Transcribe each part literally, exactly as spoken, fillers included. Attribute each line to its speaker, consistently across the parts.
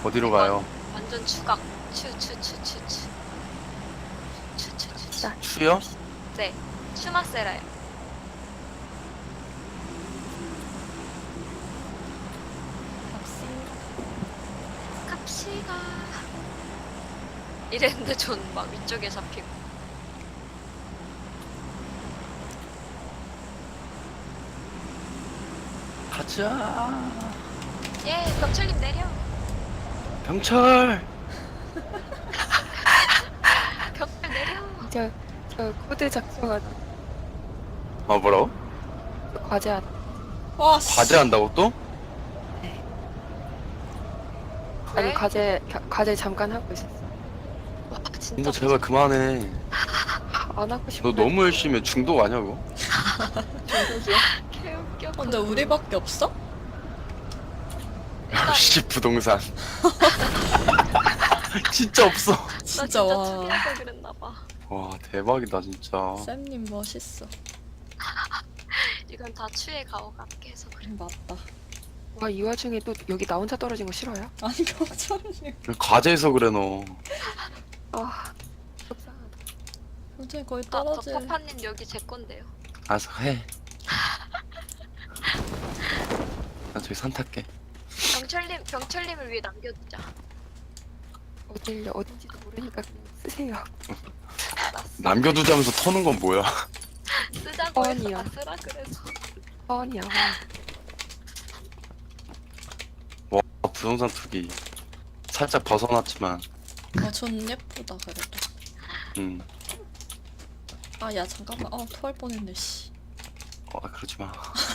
Speaker 1: 어디로
Speaker 2: 이건
Speaker 1: 가요?
Speaker 2: 완전 추각. 추추추추추. 추추추추.
Speaker 3: 자,
Speaker 1: 추요?
Speaker 2: 네. 추마세라요. 갑시다. 이랬는데 전 막 위쪽에 잡히고.
Speaker 1: 가자.
Speaker 2: 예, 병철님 내려.
Speaker 1: 병철.
Speaker 2: 병철 내려.
Speaker 3: 저, 저 코드 작성하다.
Speaker 1: 아 뭐라고?
Speaker 3: 저 과제하다.
Speaker 4: 와, 씨.
Speaker 1: 과제한다고 또?
Speaker 3: 아니,
Speaker 2: 왜?
Speaker 3: 과제, 겨- 과제 잠깐 하고 있었어.
Speaker 2: 와, 진짜.
Speaker 1: 이거 제발 그만해.
Speaker 3: 안 하고 싶어.
Speaker 1: 너 너무 열심히 해. 중독 아냐고?
Speaker 3: 중독이야?
Speaker 2: 개웃겨.
Speaker 4: 어, 근데 우리밖에 없어?
Speaker 1: 역시 부동산. 진짜 없어.
Speaker 2: 나
Speaker 4: 진짜
Speaker 2: 진짜
Speaker 4: 와.
Speaker 2: 투리해서 그랬나봐.
Speaker 1: 와 대박이다 진짜.
Speaker 4: 쌤님 멋있어.
Speaker 2: 이건 다 추에 가오가 깨서 그래.
Speaker 4: 맞다.
Speaker 3: 와, 이 와중에 또 여기 나 혼자 떨어진 거 싫어요?
Speaker 4: 아니, 병철님.
Speaker 1: 과제에서 그래 너.
Speaker 3: 아, 속상하다.
Speaker 4: 병철님 거의
Speaker 2: 아, 저
Speaker 4: 떨어질.
Speaker 2: 파파님 여기 제 건데요.
Speaker 1: 알았어 해. 나 저기 산 탈게.
Speaker 2: 병철님, 병철님을 위해 남겨두자.
Speaker 3: 어딜, 어딘지도 모르니까 그냥 쓰세요.
Speaker 2: 알았어.
Speaker 1: 남겨두자면서 터는 건 뭐야?
Speaker 2: 쓰자고 해서
Speaker 3: 뻔이야.
Speaker 2: 나 쓰라 그래서.
Speaker 3: 뻔이야.
Speaker 1: 와 부동산 투기. 살짝 벗어났지만.
Speaker 4: 아, 전 예쁘다, 그래도.
Speaker 1: 음.
Speaker 4: 아, 야, 잠깐만. 어, 토할 뻔했네, 씨.
Speaker 1: 어 그러지 마.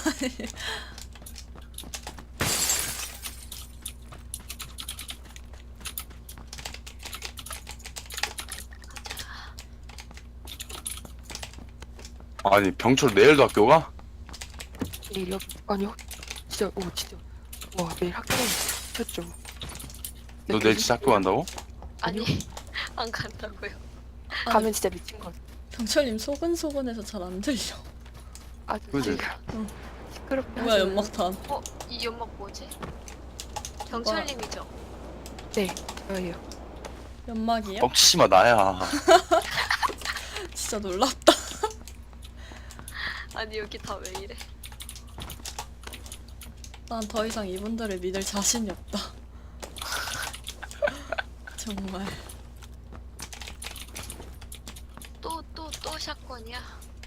Speaker 1: 아니 병철 내일도 학교 가?
Speaker 3: 내일 여기, 아니요. 진짜, 오, 진짜. 와, 내일 학교는 미쳤죠.
Speaker 1: 너 내일 진짜 학교 간다고?
Speaker 2: 아니, 안 간다고요.
Speaker 3: 가면 진짜 미친 거 같아.
Speaker 4: 병철님 소근소근해서 잘 안 들려.
Speaker 3: 아주
Speaker 1: 그지?
Speaker 4: 응.
Speaker 3: 시끄럽게
Speaker 4: 뭐야,
Speaker 3: 하지 마요.
Speaker 4: 연막탄.
Speaker 2: 어, 이 연막 뭐지? 병철님이죠?
Speaker 3: 네, 저예요.
Speaker 4: 연막이야?
Speaker 1: 뻥치지 마 나야.
Speaker 4: 진짜 놀랍다.
Speaker 2: 아니, 여기 다 왜 이래?
Speaker 4: 난 더 이상 이분들을 믿을 자신이 없다. 정말.
Speaker 2: 또, 또, 또 샷건이야.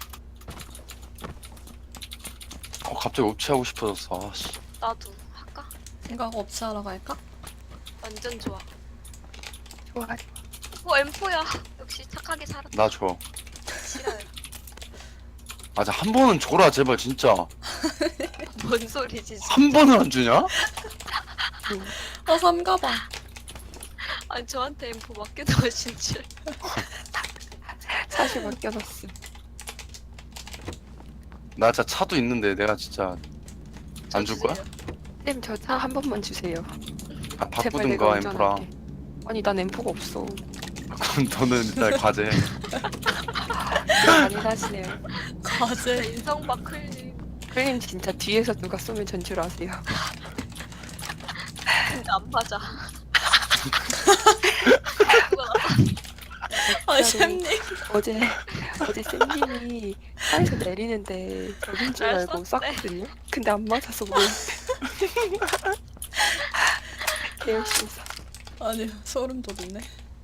Speaker 1: 어 갑자기 옵치하고 싶어졌어. 아씨.
Speaker 2: 나도 할까?
Speaker 4: 생각 없이 하러 갈까?
Speaker 2: 완전 좋아.
Speaker 3: 좋아.
Speaker 2: 어, 엠포야. 역시 착하게 살았다.
Speaker 1: 나 줘.
Speaker 2: 싫어요.
Speaker 1: 맞아 한 번은 줘라 제발 진짜.
Speaker 2: 뭔 소리지, 진짜.
Speaker 1: 한 번은 안 주냐?
Speaker 4: 어, 삼가방.
Speaker 2: 아니, 저한테 엠포 맡겨놓으신 줄.
Speaker 3: 사실 맡겨놨음.
Speaker 1: 나 진짜 차도 있는데 내가 진짜 안 줄 거야?
Speaker 3: 쌤, 저 차 한 번만 주세요.
Speaker 1: 아
Speaker 3: 제발 내가
Speaker 1: 바꾸든가 엠프랑.
Speaker 3: 운전할게. 아니, 난 엠포가 없어.
Speaker 1: 그럼 너는 일단 과제.
Speaker 3: 많이 사시네요.
Speaker 4: 과제.
Speaker 2: 인성박 클림.
Speaker 3: 클림 진짜 뒤에서 누가 쏘면 전줄 아세요.
Speaker 2: 근데 안 맞아.
Speaker 4: 아, 쌤님.
Speaker 3: 어제 어제 쌤님이 차에서 내리는데 저긴 줄
Speaker 2: 날
Speaker 3: 알고
Speaker 2: 쐈네.
Speaker 3: 쐈거든요. 근데 안 맞아서 뭐. 개 열심히 쐈.
Speaker 4: 아니, 소름 돋네.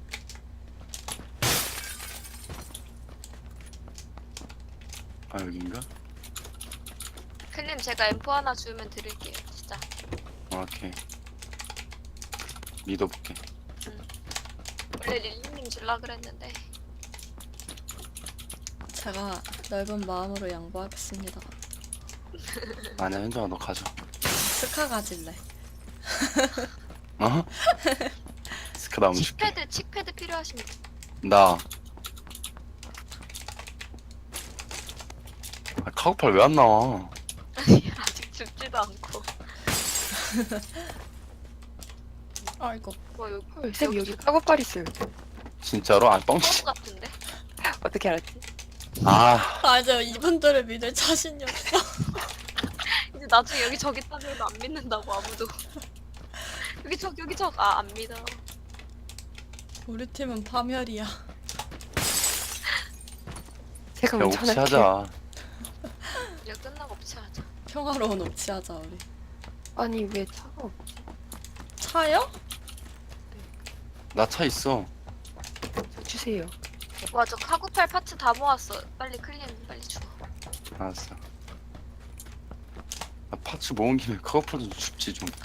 Speaker 1: 아 여긴가?
Speaker 2: 클림 제가 엠포 하나 주면 드릴게요. 진짜.
Speaker 1: 어, 오케이. 믿어볼게.
Speaker 2: 원래 릴리님 줄라 그랬는데.
Speaker 4: 제가 넓은 마음으로 양보하겠습니다.
Speaker 1: 아니야 현정아 너 가져.
Speaker 4: 스카 가질래.
Speaker 1: 어? 스카 나무 줄게.
Speaker 2: 칙패드, 칙패드 필요하시면
Speaker 1: 나. 아, 카고팔 왜 안 나와?
Speaker 2: 아니, 아직 죽지도 않고.
Speaker 4: 아이고.
Speaker 2: 뭐, 여기,
Speaker 3: 헐, 쌤 여기 까고팔 있어요.
Speaker 1: 진짜로? 아 뻥치.
Speaker 2: 뻥 같은데?
Speaker 3: 어떻게 알았지?
Speaker 1: 아
Speaker 4: 아, 이제 이분들을 믿을 자신이 없어.
Speaker 2: 이제 나중에 여기 저기 따면 안 믿는다고 아무도. 여기 저 여기 저 아 안 믿어.
Speaker 4: 우리 팀은 파멸이야.
Speaker 3: 제가
Speaker 1: 야
Speaker 3: 운전할게요.
Speaker 1: 옵치하자.
Speaker 2: 이제 끝나고 없애하자.
Speaker 4: 평화로운 옵치하자 우리.
Speaker 3: 아니 왜 차가 없...
Speaker 4: 차요?
Speaker 1: 나 차 있어.
Speaker 3: 저 주세요.
Speaker 2: 와 저 카구팔 파츠 다 모았어. 빨리 클린 빨리 줘.
Speaker 1: 알았어. 나 파츠 모은 김에 카우팔 좀 줍지 좀.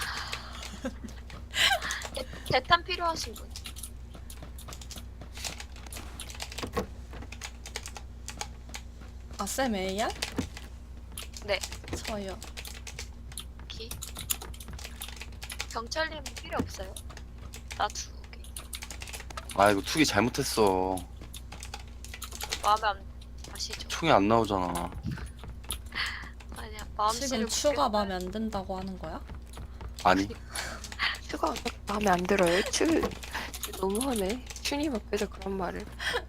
Speaker 2: 대- 대탄 필요하신 분.
Speaker 4: 아, 쌤 에이알?
Speaker 2: 네.
Speaker 4: 저요.
Speaker 2: 기. 경찰님 필요 없어요? 나 두 개.
Speaker 1: 아 이거 투기 잘못했어.
Speaker 2: 마음에 안 아시죠?
Speaker 1: 총이 안 나오잖아.
Speaker 2: 아니야 마음씨를
Speaker 4: 지금 추가
Speaker 2: 굽게
Speaker 4: 마음에 안 든다고 하는 거야?
Speaker 1: 아니
Speaker 3: 추가 마음에 안 들어요. 추 너무하네. 추님 앞에서 그런 말을.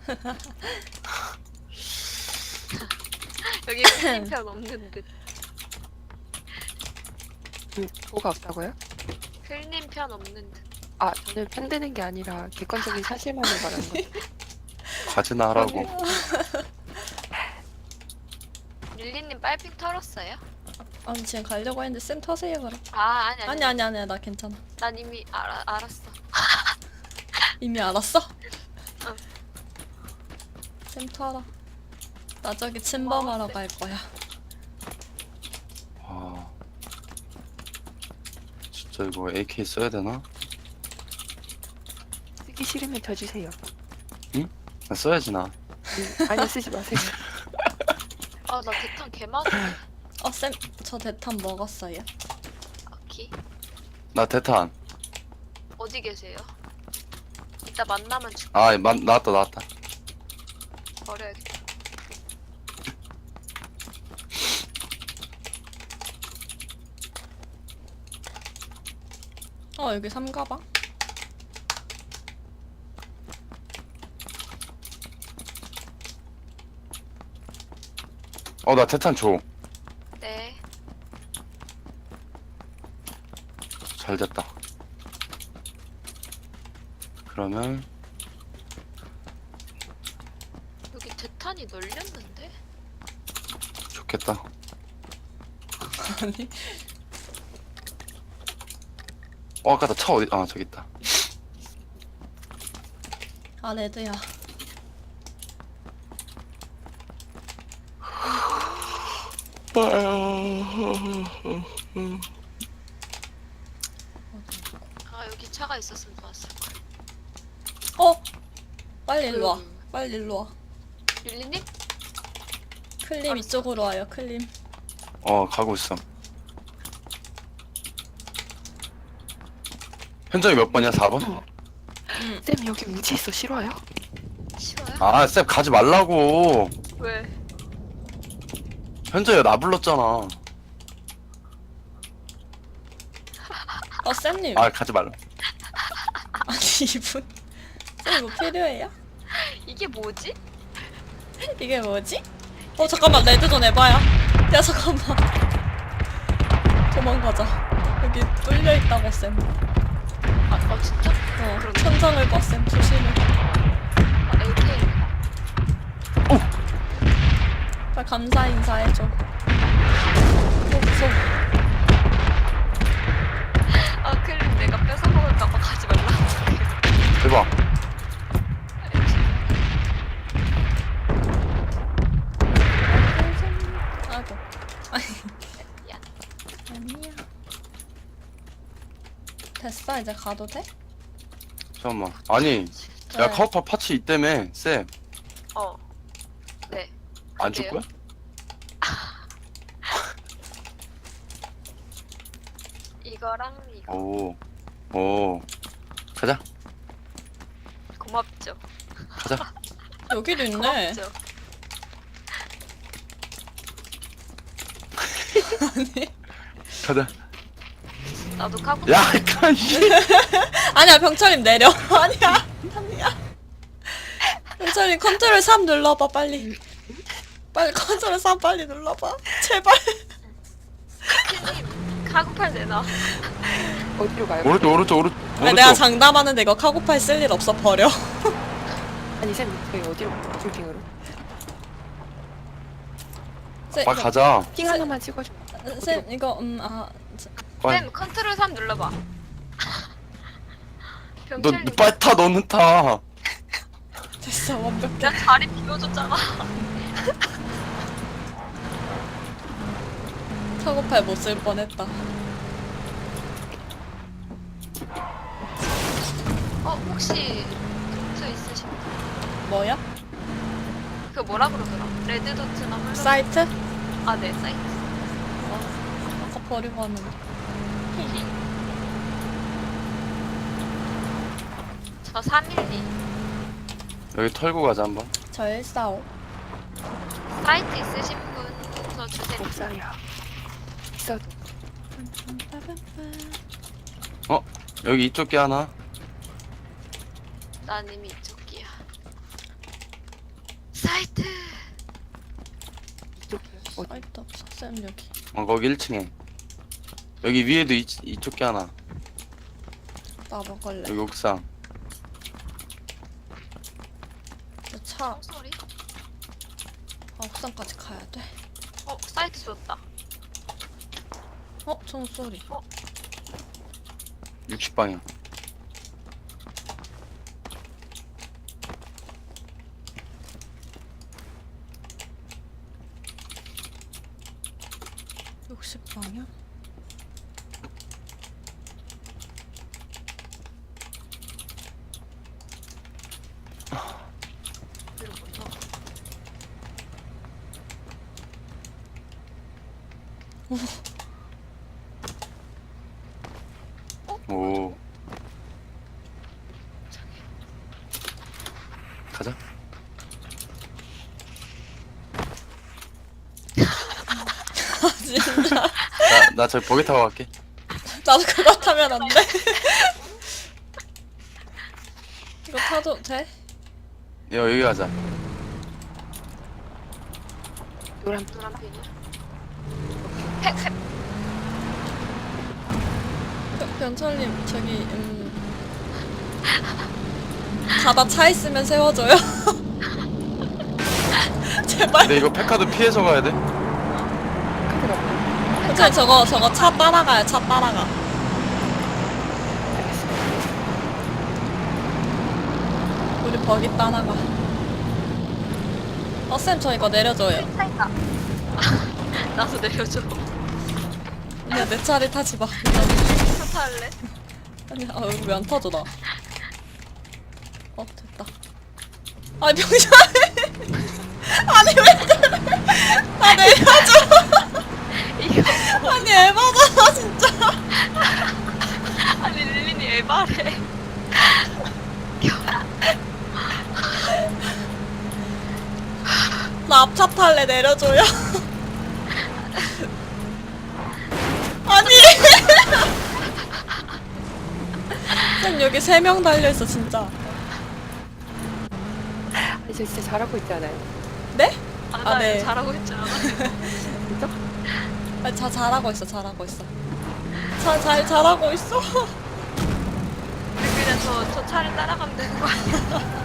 Speaker 2: 여기 클린편 없는 듯.
Speaker 3: 음, 뭐가 없다고요?
Speaker 2: 클린편 없는 듯.
Speaker 3: 아 저는 편드는 게 아니라 객관적인 사실만을 말하는 거예요.
Speaker 1: 가지나 하라고.
Speaker 2: 릴리님 빨핑 털었어요?
Speaker 4: 아니 지금 가려고 했는데 쌤 터세요 그럼.
Speaker 2: 아 아니 아니.
Speaker 4: 아니 아니 아니 나 괜찮아.
Speaker 2: 난 이미 알아 알았어.
Speaker 4: 이미 알았어?
Speaker 2: 응.
Speaker 4: 쌤 터라. 나 저기 침범하러 갈 거야.
Speaker 1: 아 진짜 이거 에이케이 써야 되나?
Speaker 3: 쓰기 싫으면 저 주세요.
Speaker 1: 나 써야지 나.
Speaker 3: 음, 아니 쓰지 마세요.
Speaker 2: 아 나 대탄 개 많은데.
Speaker 4: 어 쌤 저 대탄 먹었어요.
Speaker 2: 아키
Speaker 1: 나 대탄.
Speaker 2: 어디 계세요? 이따 만나면 주
Speaker 1: 아 마, 나왔다 나왔다.
Speaker 2: 버려야겠다.
Speaker 4: 어 여기 삼가방?
Speaker 1: 어 나 대탄 줘.
Speaker 2: 네.
Speaker 1: 잘 됐다. 그러면
Speaker 2: 여기 대탄이 널렸는데?
Speaker 1: 좋겠다.
Speaker 4: 아니
Speaker 1: 어 아까 나 차 어디? 아 저기 있다.
Speaker 4: 아 레드야.
Speaker 2: 아 여기 차가 있었으면 좋았을 걸.
Speaker 4: 어 빨리 일로 와. 빨리 일로 와.
Speaker 2: 릴리님?
Speaker 4: 클림 이쪽으로 와요. 클림.
Speaker 1: 어 가고 있어. 현정이 몇 번이야? 사 번?
Speaker 4: 응.
Speaker 3: 쌤 여기 우지 있어 싫어요?
Speaker 2: 싫어요?
Speaker 1: 아 쌤 가지 말라고.
Speaker 2: 왜?
Speaker 1: 현정이가 나 불렀잖아.
Speaker 4: 어 쌤님.
Speaker 1: 아 가지 말라.
Speaker 4: 아니 이분. 쌤 이거 필요해요?
Speaker 2: 이게 뭐지?
Speaker 4: 이게 뭐지? 어 잠깐만 레드 좀 해봐요. 야 잠깐만. 도망가자. 여기 뚫려 있다고 쌤.
Speaker 2: 아, 어 진짜?
Speaker 4: 어
Speaker 2: 그럼.
Speaker 4: 천장을 봐 쌤. 조심해.
Speaker 2: 아 에이케이.
Speaker 4: 빨리 감사 인사해줘. 어 무서워.
Speaker 2: 아 클린 내가 뺏어먹을까봐 가지 말라.
Speaker 1: 대박.
Speaker 4: 아이고.
Speaker 2: 미안.
Speaker 4: 아니야. 됐어 이제 가도 돼?
Speaker 1: 잠깐만. 아니
Speaker 4: 네.
Speaker 1: 야 카우파 파츠 있다며 쌤.
Speaker 2: 어. 네.
Speaker 1: 안 줄
Speaker 2: 그래요?
Speaker 1: 거야?
Speaker 2: 이거랑 이거
Speaker 1: 오. 오. 가자.
Speaker 2: 고맙죠.
Speaker 1: 가자.
Speaker 4: 여기도 있네.
Speaker 2: 고맙죠.
Speaker 4: 아니.
Speaker 1: 가자.
Speaker 2: 나도 카고.
Speaker 1: 야 이까 씨.
Speaker 4: 아니야 병철님 내려. 아니야. 아니야. 병철님 컨트롤 삼 눌러봐 빨리. 빨리 컨트롤 삼 빨리 눌러봐. 제발.
Speaker 2: 클린 카고팔 내놔.
Speaker 3: 어디로 가요?
Speaker 1: 오른쪽 오른쪽 오른
Speaker 4: 아니,
Speaker 1: 오른쪽.
Speaker 4: 내가 장담하는데 이거 카고팔 쓸 일 없어 버려.
Speaker 3: 아니 쌤 저희 어디로 캠핑으로?
Speaker 4: 쌤,
Speaker 1: 빨리
Speaker 4: 이거-
Speaker 1: 가자.
Speaker 3: 핑 하나만 찍어줘.
Speaker 4: 쌤 이거 음아
Speaker 1: 빨리.
Speaker 2: 쌤 컨트롤 삼 눌러봐.
Speaker 1: 너
Speaker 2: 병철님
Speaker 1: 빨리 타 너는 타.
Speaker 4: 됐어 완벽해.
Speaker 2: 나 자리 비워줬잖아.
Speaker 4: 카고팔 못 쓸 뻔했다.
Speaker 2: 어 혹시 도트 있으신 분?
Speaker 4: 뭐야?
Speaker 2: 그 뭐라 그러더라? 레드 도트나 홀로.
Speaker 4: 사이트?
Speaker 2: 아네 사이트.
Speaker 4: 어, 아까 버리고 왔는데.
Speaker 2: 저 삼일이.
Speaker 1: 여기 털고 가자 한번.
Speaker 4: 저 일사오.
Speaker 2: 사이트 있으신 분 저 주세요.
Speaker 3: 옥상이야. 있어도.
Speaker 1: 여기 이쪽 게 하나.
Speaker 2: 난 이미 이쪽이야. 사이트.
Speaker 3: 이쪽에 어디?
Speaker 4: 사이트 없어. 쌤 여기.
Speaker 1: 어 거기 일 층에. 여기 위에도 이, 이쪽 게 하나.
Speaker 4: 나 먹을래.
Speaker 1: 여기 옥상.
Speaker 4: 저 차.
Speaker 2: 소리?
Speaker 4: 아, 옥상까지 가야 돼.
Speaker 2: 어 사이트 줬다.
Speaker 4: 어, 총소리.
Speaker 1: 육십 방향.
Speaker 4: 육십 방향?
Speaker 2: 그리고 먼저.
Speaker 1: 오. 가자.
Speaker 4: 아, 진짜.
Speaker 1: 나 나 저기 버기 타고 갈게.
Speaker 4: 나도 그거 타면 안 돼? 이거 타도 돼?
Speaker 1: 야 여기 가자.
Speaker 3: 노란
Speaker 2: 노란 핀이야. 팩 팩.
Speaker 4: 변- 변철님, 저기, 음. 가다 차 있으면 세워줘요? 제발.
Speaker 1: 근데 이거 페카드 피해서 가야 돼.
Speaker 3: 카드가
Speaker 4: 근데 저거, 저거 차 따라가요, 차 따라가.
Speaker 3: 알겠습니다.
Speaker 4: 우리 버기 따라가. 어, 쌤, 저 이거 내려줘요.
Speaker 2: 차이다. 나도 내려줘.
Speaker 4: 아니야, 내 차를 타지 마.
Speaker 2: 차 탈래?
Speaker 4: 아니야, 아, 여기 왜 안 타줘, 나. 어, 됐다. 아, 병신! 아니, 왜 그래? 아, 내려줘!
Speaker 2: 이거
Speaker 4: 아니, 에바잖아, 진짜.
Speaker 2: 아니 릴린이 에바래.
Speaker 4: 나 앞차 탈래, 내려줘요. 아니! 쌤, 여기 세 명 달려있어, 진짜.
Speaker 3: 아니 저 진짜 잘하고 있지 않아요?
Speaker 4: 네?
Speaker 2: 아,
Speaker 4: 아,
Speaker 2: 나
Speaker 4: 네.
Speaker 2: 이거 잘하고 있잖아.
Speaker 3: 진짜?
Speaker 4: 아, 자, 잘하고 있어, 잘하고 있어. 자, 잘, 잘하고 있어.
Speaker 2: 우리 그냥 저, 저 차를 따라가면 되는 거 아니야?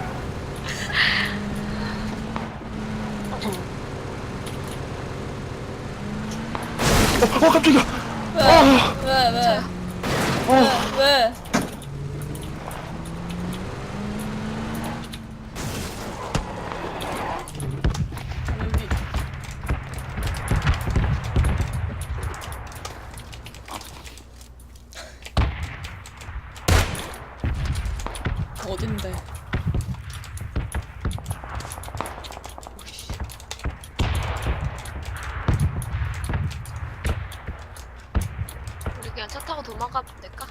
Speaker 1: 어, 어 깜짝이야.
Speaker 4: 왜?
Speaker 1: 아.
Speaker 4: 왜, 왜?
Speaker 1: 어.
Speaker 4: 왜? 왜? 여기. 어딘데?
Speaker 2: 우리 그냥 차 타고 도망가면 될까?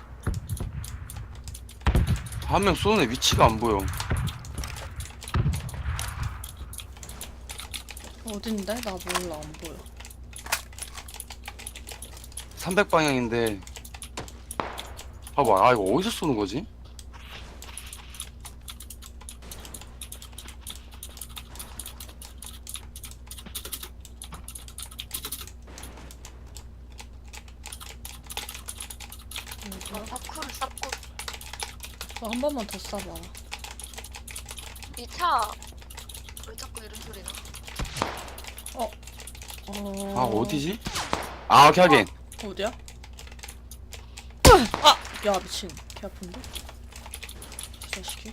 Speaker 1: 한 명 쏘는 애 위치가 안 보여.
Speaker 4: 어딘데? 나 몰라, 안 보여.
Speaker 1: 삼백 방향인데. 봐봐. 아 이거 어디서 쏘는 거지?
Speaker 2: 어, 파쿠를 쌓고
Speaker 4: 어, 한 번만 더 쏴봐.
Speaker 2: 이 차 왜 자꾸 이런 소리 나?
Speaker 4: 어.
Speaker 1: 아 어디지? 아 오케이 하긴.
Speaker 4: 어디야? 아! 야 미친. 개 아픈데? 이 자식이.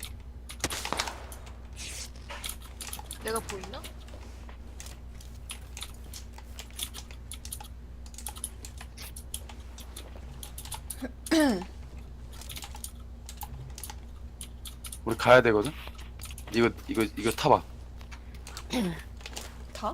Speaker 2: 내가 보이나?
Speaker 1: 우리 가야 되거든. 이거 이거 이거 타봐.
Speaker 4: 다?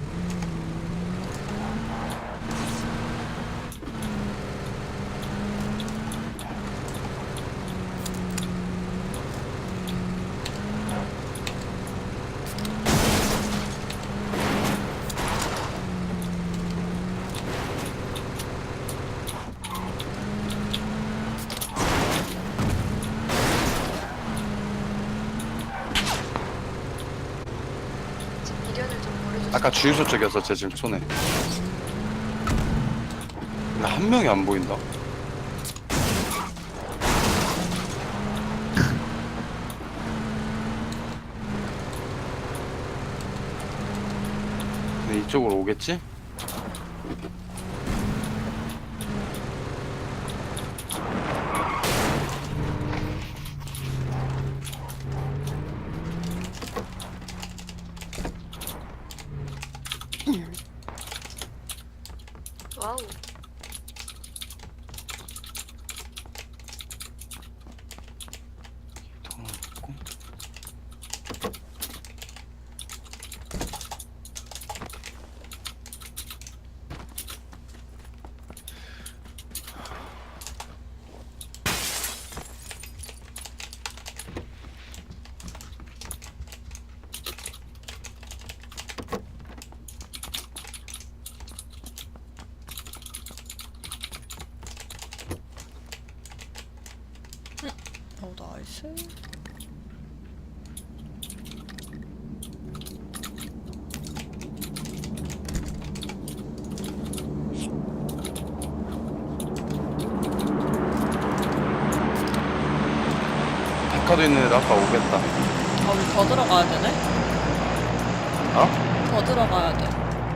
Speaker 2: 지금 미련을 좀 버려줬어.
Speaker 1: 아까 주유소 쪽이었어 쟤 지금 손에. 근데 한 명이 안 보인다. 근데 이쪽으로 오겠지?
Speaker 2: 와우.
Speaker 4: 어 나이스.
Speaker 1: 백화도 있는 애들 아까 오겠다.
Speaker 4: 아 우리 더 들어가야 되네?
Speaker 1: 어?
Speaker 4: 더 들어가야 돼.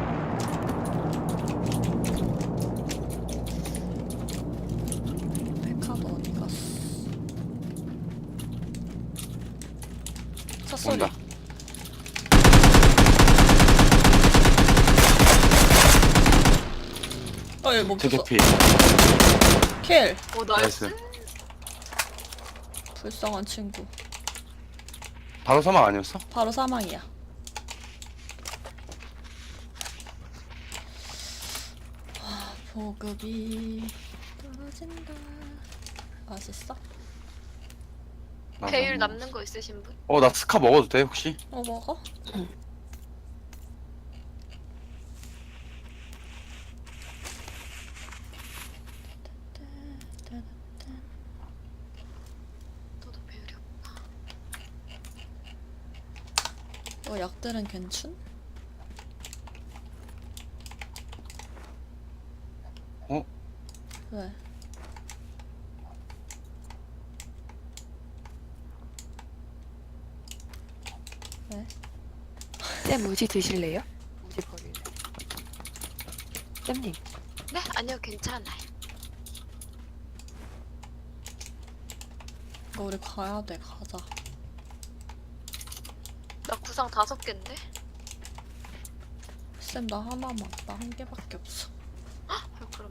Speaker 4: 백화도 어디 갔어? 차 소리.
Speaker 1: 온다.
Speaker 4: 어 얘 멈췄어.
Speaker 1: 대개피.
Speaker 4: 킬.
Speaker 2: 오 나이스.
Speaker 1: 나이스.
Speaker 4: 불쌍한 친구.
Speaker 1: 바로 사망 아니었어?
Speaker 4: 바로 사망이야. 아, 보급이 떨어진다. 맛있어?
Speaker 1: 나
Speaker 2: 배율
Speaker 1: 너무-
Speaker 2: 남는 거 있으신 분?
Speaker 1: 어, 나 스카 먹어도 돼 혹시?
Speaker 4: 어 먹어?
Speaker 2: 너도 배율이 없나?
Speaker 4: 어 약들은 괜춘?
Speaker 1: 어?
Speaker 4: 왜? 왜?
Speaker 3: 쌤 우지 드실래요? 우지 버릴래. 쌤님.
Speaker 2: 네? 아니요 괜찮아요.
Speaker 4: 이거 우리 가야 돼. 가자.
Speaker 2: 나 구상 다섯 개인데?
Speaker 4: 쌤 나 하나만. 나 한 개밖에 없어.
Speaker 2: 아, 그럼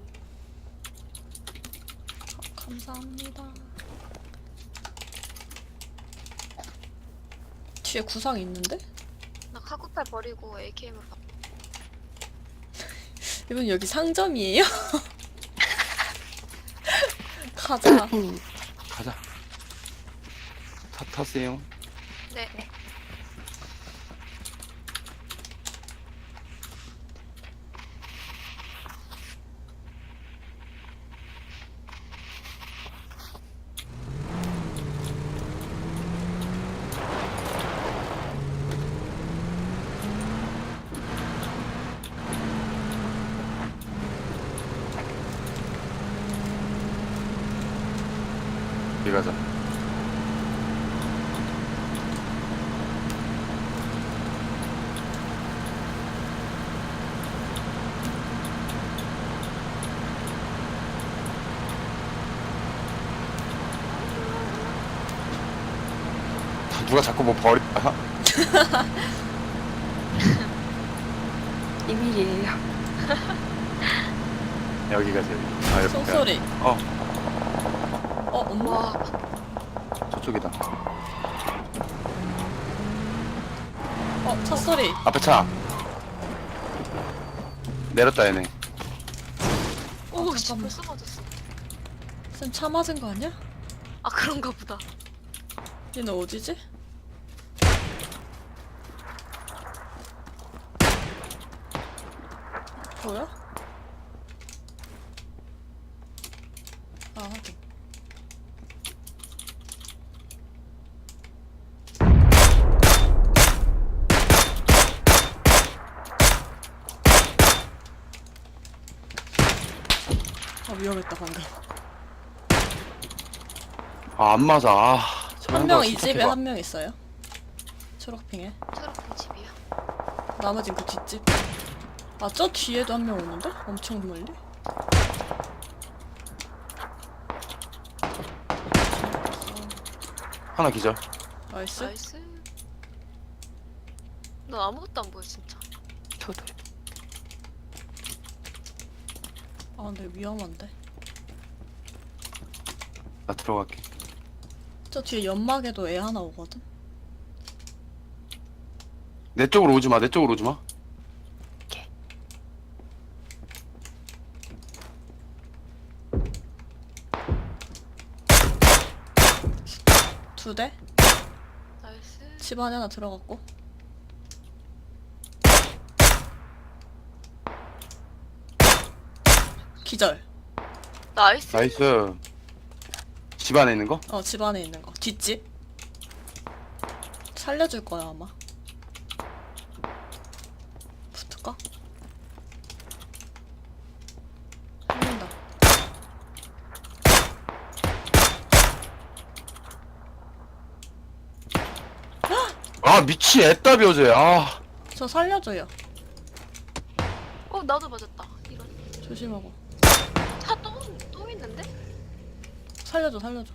Speaker 4: 가- 감사합니다. 뒤에 구상 있는데?
Speaker 2: 나 카구팔 버리고 에이케이엠을 가.
Speaker 4: 이분 여기 상점이에요? 가자.
Speaker 3: 음.
Speaker 1: 가자. 타 타세요.
Speaker 2: 네.
Speaker 1: 여기 가자. 누가 자꾸 뭐 버리? 아,
Speaker 3: 비밀이에요.
Speaker 1: 여기 가자 여기. 아, 여기.
Speaker 4: 총소리.
Speaker 1: 어,
Speaker 4: 어, 엄마?
Speaker 2: 와,
Speaker 1: 저쪽이다.
Speaker 4: 어, 차 소리.
Speaker 1: 앞에 차. 내렸다 얘네.
Speaker 2: 오, 씨,
Speaker 4: 잠깐만.
Speaker 2: 벌써 맞았어.
Speaker 4: 쌤 차 맞은 거 아니야?
Speaker 2: 아, 그런가 보다.
Speaker 4: 얘는 어디지? 뭐야? 아, 하긴. 아, 위험했다, 방금.
Speaker 1: 아, 안 맞아. 아,
Speaker 4: 한 명 이 집에 한 명 있어요. 초록핑에.
Speaker 2: 초록빛 집이야.
Speaker 4: 나머진 그 뒷집. 아, 저 뒤에도 한 명 오는데? 엄청 멀리?
Speaker 1: 하나 기절.
Speaker 4: 나이스.
Speaker 2: 나이스. 너 아무것도 안 보여, 진짜.
Speaker 3: 저도.
Speaker 4: 아, 근데 위험한데.
Speaker 1: 나 들어갈게.
Speaker 4: 저 뒤에 연막에도 애 하나 오거든?
Speaker 1: 내 쪽으로 오지 마. 내 쪽으로 오지 마.
Speaker 4: 두 대?
Speaker 2: 나이스.
Speaker 4: 집 안에 하나 들어갔고. 기절.
Speaker 2: 나이스.
Speaker 1: 나이스. 집 안에 있는 거?
Speaker 4: 어, 집 안에 있는 거. 뒷집. 살려줄 거야, 아마. 붙을까? 살린다.
Speaker 1: 아, 미치 애답이 어제. 아,
Speaker 4: 저 살려줘요.
Speaker 2: 어, 나도 맞았다. 이런.
Speaker 4: 조심하고.
Speaker 2: 차 또, 또 있는데?
Speaker 4: 살려줘, 살려줘.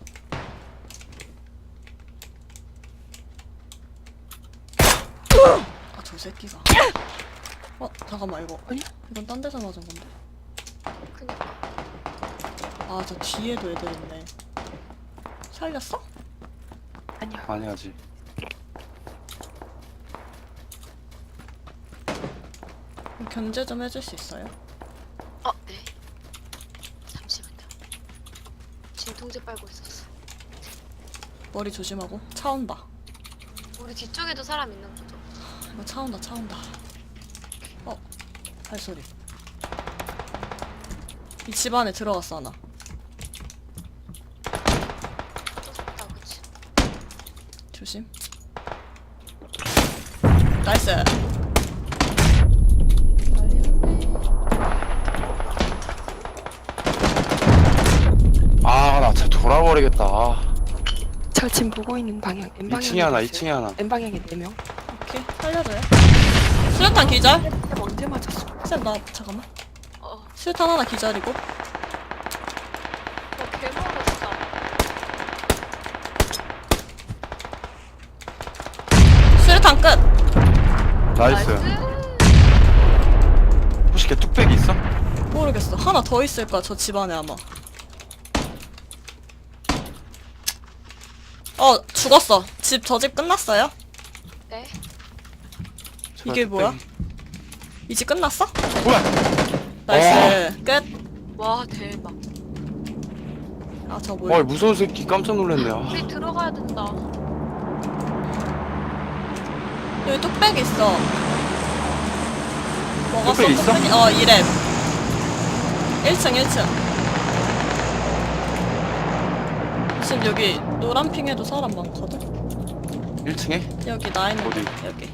Speaker 4: 아, 저 새끼가. 어, 잠깐만, 이거.
Speaker 3: 아니야?
Speaker 4: 이건 딴 데서 맞은 건데.
Speaker 2: 그니까.
Speaker 4: 아, 저 뒤에도 애들 있네. 살렸어?
Speaker 3: 아니요.
Speaker 1: 아니 아직.
Speaker 4: 그럼 견제 좀 해줄 수 있어요?
Speaker 2: 어, 네. 잠시만요. 진통제 빨고 있었어.
Speaker 4: 머리 조심하고. 차 온다.
Speaker 2: 우리 뒤쪽에도 사람 있는 거죠?
Speaker 4: 이거 차 온다, 차 온다. 어, 발소리. 이 집 안에 들어갔어, 하나.
Speaker 2: 떴다, 그치?
Speaker 4: 조심. 나이스.
Speaker 1: 아, 나 진짜 돌아버리겠다. 아,
Speaker 3: 저 지금 보고 있는 방향. N 방향.
Speaker 1: 이 층에 하나, 이 층에 하나.
Speaker 3: N 방향에 네 명.
Speaker 4: 오케이, 살려줘요. 수류탄 기절?
Speaker 3: 쌤 언제 맞았어?
Speaker 4: 쌤, 나, 잠깐만.
Speaker 2: 어,
Speaker 4: 수류탄 하나 기절이고.
Speaker 2: 어, 개멀어, 진짜.
Speaker 4: 수류탄 끝!
Speaker 1: 나이스. 혹시 걔 뚝배기 있어?
Speaker 4: 모르겠어. 하나 더 있을 거야, 저 집 안에 아마. 어, 죽었어. 집, 저 집 끝났어요?
Speaker 2: 네.
Speaker 1: 제발
Speaker 4: 이게 뭐야?
Speaker 1: 뚝배기.
Speaker 4: 이 집 끝났어?
Speaker 1: 뭐야?
Speaker 4: 나이스. 끝.
Speaker 2: 와, 대박.
Speaker 4: 아, 저
Speaker 1: 와,
Speaker 4: 뭐야?
Speaker 1: 무서운 새끼 깜짝 놀랐네. 아.
Speaker 2: 우리 들어가야 된다.
Speaker 4: 여기 뚝배기 있어. 먹었어?
Speaker 1: 뚝배기 있어?
Speaker 4: 뚝배기? 어, 이랩. 일 층, 일 층. 지금 여기 노란 핑에도 사람 많거든?
Speaker 1: 일 층에?
Speaker 4: 여기 나 있는
Speaker 1: 어디?
Speaker 4: 데 여기.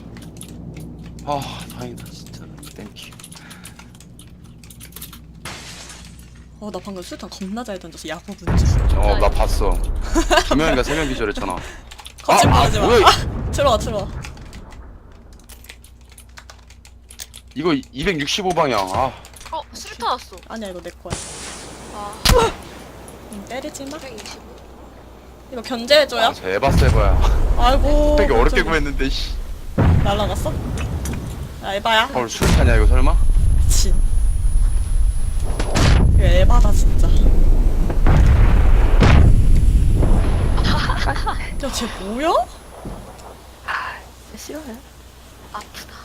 Speaker 1: 아, 다행이다 진짜. 땡큐.
Speaker 4: 어, 나 방금 수류탄 겁나 잘 던져서 야구 문제.
Speaker 1: 어 나 봤어. 두 명인가 세 명 기절했잖아.
Speaker 4: 거짓말하지 마.
Speaker 1: 뭐야?
Speaker 4: 아, 들어와, 들어와.
Speaker 1: 이거 이백육십오 방향. 아
Speaker 2: 어 수류탄 왔어.
Speaker 4: 아니야, 이거 내 거야.
Speaker 2: 아
Speaker 4: 응, 때리지 마.
Speaker 2: 이백이십오.
Speaker 4: 이거 견제해줘요.
Speaker 1: 아, 저 에바 세바야.
Speaker 4: 아이고.
Speaker 1: 되게 어렵게
Speaker 4: 갑자기
Speaker 1: 구했는데 씨.
Speaker 4: 날라갔어? 야, 에바야.
Speaker 1: 어 수류탄이야 이거 설마?
Speaker 4: 진. 이거 에바다, 진짜. 야, 쟤 뭐야?
Speaker 3: 싫어요.
Speaker 2: 아프다.